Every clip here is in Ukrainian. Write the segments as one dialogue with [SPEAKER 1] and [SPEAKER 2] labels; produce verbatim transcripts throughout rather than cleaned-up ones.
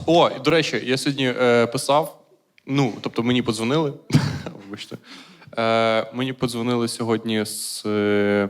[SPEAKER 1] О, і, до речі, я сьогодні е, писав, ну, тобто мені подзвонили, вибачте, е, мені подзвонили сьогодні з е,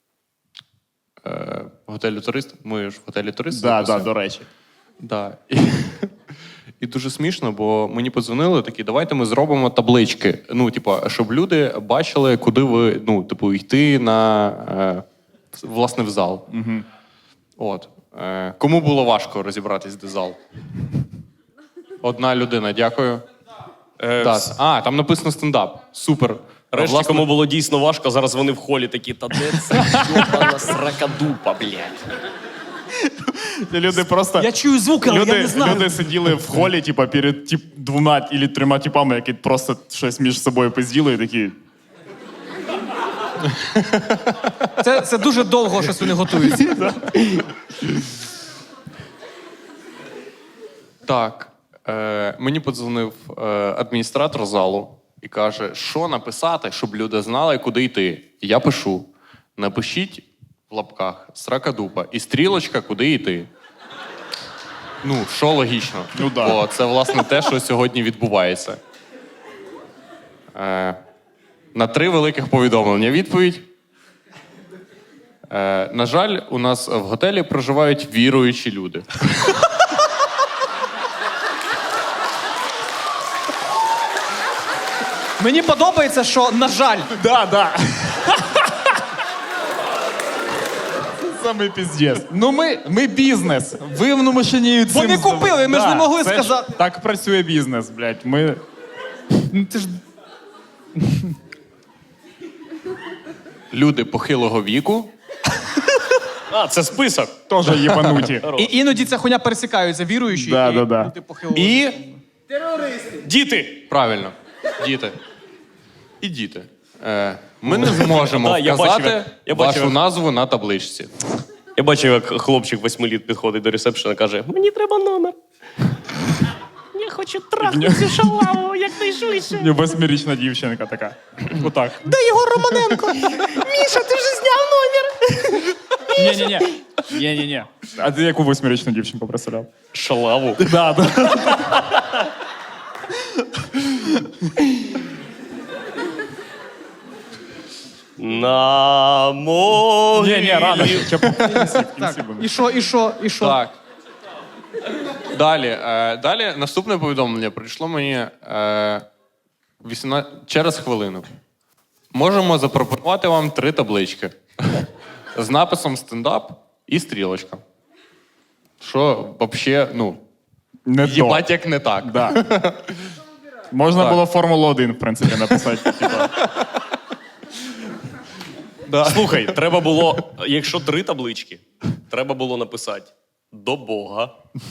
[SPEAKER 1] е, готелю «Турист». Ми ж в готелі «Турист».
[SPEAKER 2] Да, да, до речі.
[SPEAKER 1] Да. І, і дуже смішно, бо мені подзвонили такі, давайте ми зробимо таблички. Ну, типу, щоб люди бачили, куди ви, ну, типу, йти на, е, власне, в зал.
[SPEAKER 2] Угу.
[SPEAKER 1] От. Е, кому було важко розібратись, де зал? Одна людина, дякую.
[SPEAKER 3] Е,
[SPEAKER 1] Так. А, там написано стендап. Супер.
[SPEAKER 3] Решті,
[SPEAKER 1] Власне,
[SPEAKER 3] кому було дійсно важко, зараз вони в холі такі, та де це йобана сракадупа, блядь.
[SPEAKER 2] Люди просто...
[SPEAKER 4] Я чую звуки, але
[SPEAKER 2] люди,
[SPEAKER 4] я не знаю.
[SPEAKER 2] Люди сиділи в холі, типа, перед тип, двома або трьома типами, які просто щось між собою пизділи і такі...
[SPEAKER 4] Це, це дуже довго, щось вони готуються.
[SPEAKER 1] Так. Е, мені подзвонив е, адміністратор залу і каже, що написати, щоб люди знали, куди йти. І я пишу, напишіть в лапках сракадупа і стрілочка, куди йти. Ну, що логічно.
[SPEAKER 2] Ну, да.
[SPEAKER 1] Бо це, власне, те, що сьогодні відбувається. Е, на три великих повідомлення відповідь. Е, на жаль, у нас в готелі проживають віруючі люди.
[SPEAKER 4] Мені подобається, що, на жаль,
[SPEAKER 2] Да, да. Самий піздець. Ну ми, ми бізнес. Ви в машині цим...
[SPEAKER 4] Вони купили, ми ж не могли
[SPEAKER 2] це
[SPEAKER 4] сказати.
[SPEAKER 2] Так працює бізнес, блядь. Ми...
[SPEAKER 4] ну, ти ж...
[SPEAKER 1] Люди похилого віку.
[SPEAKER 3] А, це список.
[SPEAKER 2] Теж єбануті.
[SPEAKER 4] І іноді ця хуйня пересікаються, віруючі
[SPEAKER 2] Да,
[SPEAKER 4] і
[SPEAKER 2] да, да.
[SPEAKER 4] люди похилого.
[SPEAKER 1] І
[SPEAKER 3] Діти!
[SPEAKER 1] правильно, діти. І діти. Е, ми не зможемо
[SPEAKER 3] Да, я
[SPEAKER 1] вказати
[SPEAKER 3] бачив, як- я бачив,
[SPEAKER 1] вашу
[SPEAKER 3] як-
[SPEAKER 1] назву на табличці.
[SPEAKER 3] Я бачив, як хлопчик восьми літ підходить до ресепшена і каже, мені треба номер. Я хочу трахнути цю шалаву, якнайшвидше.
[SPEAKER 2] Восьмирічна дівчинка така. Отак.
[SPEAKER 4] Де Єгор Романенко? Міша, ти вже зняв номер.
[SPEAKER 2] Ні-ні-ні. Ні-ні-ні. А ти яку восьмирічну дівчинку представляв?
[SPEAKER 3] Шалаву.
[SPEAKER 2] Да, да.
[SPEAKER 3] На могилі.
[SPEAKER 2] Ні-ні, рано. Ще в кінці, в кінці
[SPEAKER 4] Так,
[SPEAKER 2] буде.
[SPEAKER 4] і що, і що, і що?
[SPEAKER 1] Так. Далі. Е, далі наступне повідомлення прийшло мені е, вісімнадцять через хвилину. Можемо запропонувати вам три таблички. З написом стендап і стрілочка. Що, взагалі, ну,
[SPEAKER 2] Не
[SPEAKER 1] їбать
[SPEAKER 2] то.
[SPEAKER 1] як не так.
[SPEAKER 2] Да. Можна
[SPEAKER 1] Так.
[SPEAKER 2] було Формулу один, в принципі, написати. Типа.
[SPEAKER 1] Да.
[SPEAKER 3] Слухай, треба було, якщо три таблички, треба було написати до Бога,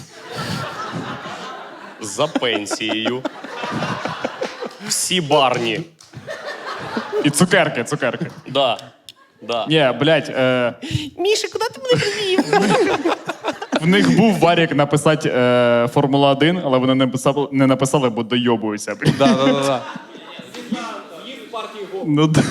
[SPEAKER 3] за пенсією, всі барні.
[SPEAKER 2] І цукерки, цукерки.
[SPEAKER 3] Да, да.
[SPEAKER 2] Ні, блядь, е,
[SPEAKER 3] Міша, куди ти мене привів?
[SPEAKER 2] в них був варік написати е, Формула один, але вони не написали, не написали, бо дойобуються, блядь.
[SPEAKER 1] Да, да, да, да.
[SPEAKER 2] Ну, да.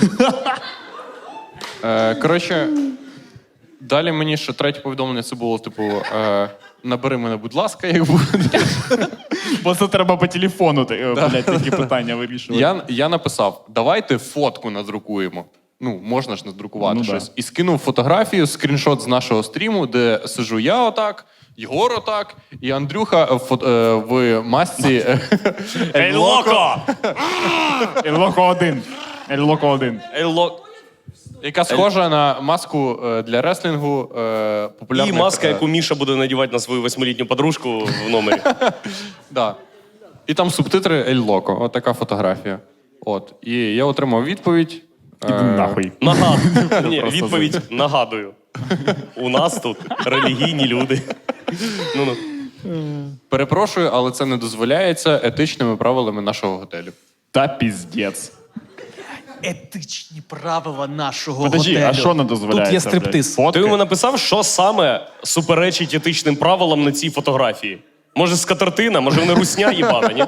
[SPEAKER 1] Е, коротше, далі мені ще третє повідомлення, це було, типу, е, набери мене, будь ласка, як буде.
[SPEAKER 2] Бо це треба по телефону, е, блядь, такі питання вирішувати.
[SPEAKER 1] Я, я написав, давайте фотку надрукуємо. Ну, можна ж надрукувати
[SPEAKER 2] Ну,
[SPEAKER 1] щось.
[SPEAKER 2] да.
[SPEAKER 1] І скинув фотографію, скріншот з нашого стріму, де сижу я отак, Єгор отак, і Андрюха в, фото- е, в масці е,
[SPEAKER 3] Ей, локо!
[SPEAKER 2] Ельлоко один. Ельлоко один.
[SPEAKER 3] Ей, локо!
[SPEAKER 1] яка схожа на маску е, для реслінгу е,
[SPEAKER 3] І
[SPEAKER 1] популярних...
[SPEAKER 3] маска,
[SPEAKER 1] е,
[SPEAKER 3] яку Міша буде надівати на свою восьмилітню подружку в номері.
[SPEAKER 1] Да. І там субтитри Ель Локо. От така фотографія. От. І я отримав відповідь.
[SPEAKER 2] Іди нахуй.
[SPEAKER 3] Нагадую. Ні,
[SPEAKER 2] Просто
[SPEAKER 3] відповідь нагадую. У нас тут релігійні люди. Ну-ну.
[SPEAKER 1] Перепрошую, але це не дозволяється етичними правилами нашого готелю.
[SPEAKER 2] Та піздець.
[SPEAKER 4] Етичні правила нашого
[SPEAKER 2] Подожди,
[SPEAKER 4] готелю.
[SPEAKER 2] а що не дозволяється,
[SPEAKER 4] Тут є стриптиз.
[SPEAKER 2] блядь? Фотки?
[SPEAKER 3] Ти йому написав, що саме суперечить етичним правилам на цій фотографії? Може, скатертина? Може, вони русня їбана, ні?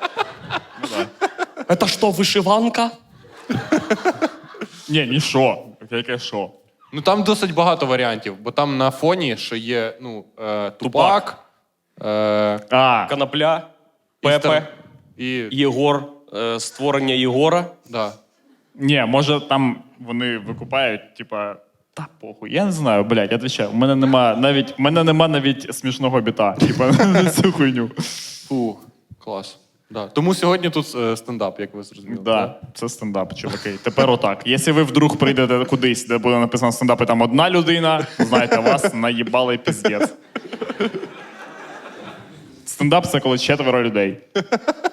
[SPEAKER 3] Це що, вишиванка?
[SPEAKER 2] Ні, ні що. Яке що?
[SPEAKER 1] Ну там досить багато варіантів, бо там на фоні ще є ну, е, Тупак,
[SPEAKER 3] Тупак.
[SPEAKER 1] Е,
[SPEAKER 2] А,
[SPEAKER 3] Конопля,
[SPEAKER 1] і
[SPEAKER 3] Пепе,
[SPEAKER 1] стар- І...
[SPEAKER 3] Єгор, е, створення Єгора.
[SPEAKER 1] Да.
[SPEAKER 2] ні, може там вони викупають, типа, та похуй, я не знаю, блядь, я відвічаю. У мене нема навіть, у мене нема навіть смішного біта, типа, на цю хуйню.
[SPEAKER 1] Фу, клас. Да. Тому сьогодні тут е, стендап, як ви зрозуміли.
[SPEAKER 2] Да, це стендап, чуваки. Тепер отак. Якщо ви вдруг прийдете кудись, де буде написано стендап, і там одна людина, знайте, вас наїбали піздець. Стендап це коли четверо людей.